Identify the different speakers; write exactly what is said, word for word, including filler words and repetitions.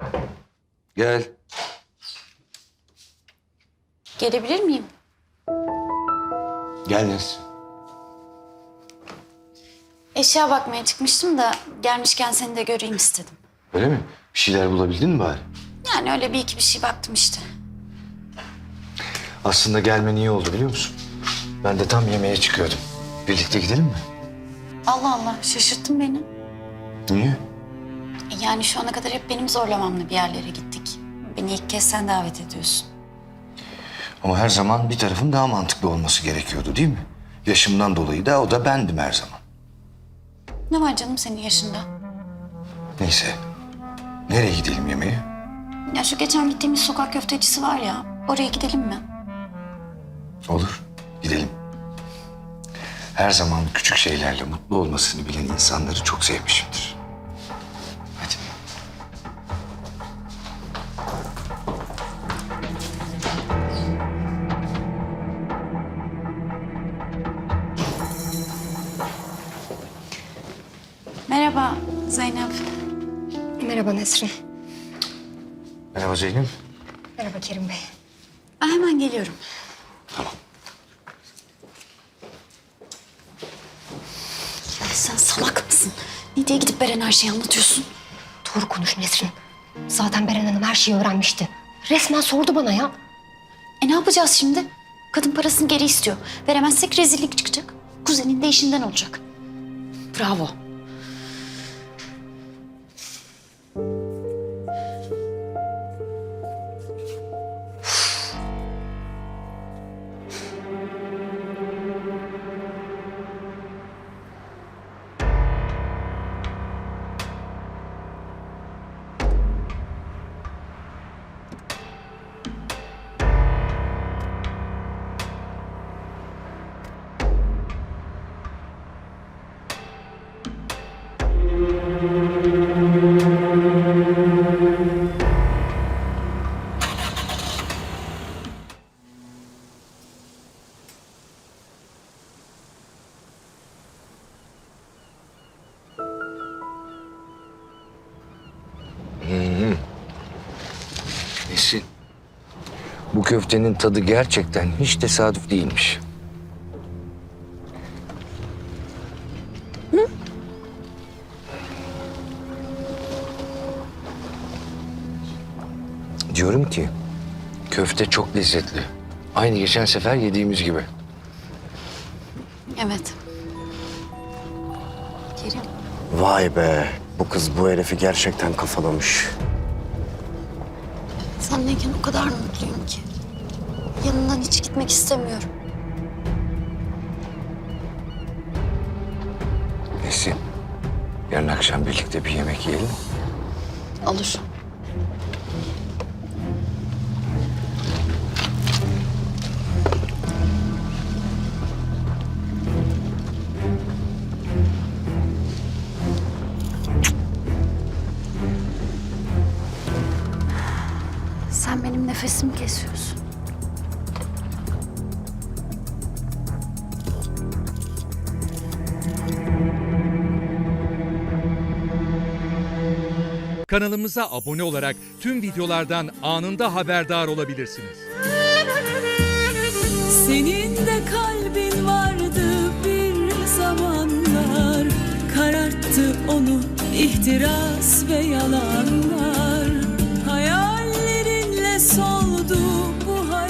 Speaker 1: Gel.
Speaker 2: Gelebilir miyim?
Speaker 1: Gel Nesrin.
Speaker 2: Eşya bakmaya çıkmıştım da gelmişken seni de göreyim istedim.
Speaker 1: Öyle mi? Bir şeyler bulabildin mi bari?
Speaker 2: Yani öyle bir iki bir şey baktım işte.
Speaker 1: Aslında gelmen iyi oldu biliyor musun? Ben de tam yemeğe çıkıyordum. Birlikte gidelim mi?
Speaker 2: Allah Allah, şaşırttın beni.
Speaker 1: Niye?
Speaker 2: Yani şu ana kadar hep benim zorlamamla bir yerlere gittik. Beni ilk kez sen davet ediyorsun.
Speaker 1: Ama her zaman bir tarafın daha mantıklı olması gerekiyordu değil mi? Yaşımdan dolayı da o da bendim her zaman.
Speaker 2: Ne var canım senin yaşında?
Speaker 1: Neyse. Nereye gidelim yemeğe?
Speaker 2: Ya şu geçen gittiğimiz sokak köftecisi var ya, oraya gidelim mi?
Speaker 1: Olur. Gidelim. Her zaman küçük şeylerle mutlu olmasını bilen insanları çok sevmişimdir. Hadi.
Speaker 2: Merhaba Zeynep.
Speaker 3: Merhaba Nesrin.
Speaker 1: Merhaba Zeynep.
Speaker 3: Merhaba Kerim Bey.
Speaker 2: Ben hemen geliyorum.
Speaker 1: Tamam.
Speaker 2: Ya sen salak mısın? Ne diye gidip Beren her şeyi anlatıyorsun?
Speaker 3: Doğru konuş Nesrin. Zaten Beren Hanım her şeyi öğrenmişti. Resmen sordu bana ya.
Speaker 2: E ne yapacağız şimdi? Kadın parasını geri istiyor. Veremezsek rezillik çıkacak. Kuzenin de işinden olacak. Bravo.
Speaker 1: Nesin? Bu köftenin tadı gerçekten hiç tesadüf değilmiş. Hı? Diyorum ki köfte çok lezzetli. Aynı geçen sefer yediğimiz gibi.
Speaker 2: Evet. Kerim.
Speaker 4: Vay be, bu kız bu herifi gerçekten kafalamış.
Speaker 2: Senleyken o kadar mutluyum ki. Yanından hiç gitmek istemiyorum.
Speaker 1: Nesin? Yarın akşam birlikte bir yemek yiyelim.
Speaker 2: Olur. Sen benim nefesimi kesiyorsun.
Speaker 5: Kanalımıza abone olarak tüm videolardan anında haberdar olabilirsiniz.
Speaker 6: Senin de kalbin vardı bir zamanlar, kararttı onu ihtiras ve yalanlar. Hayallerinle soldu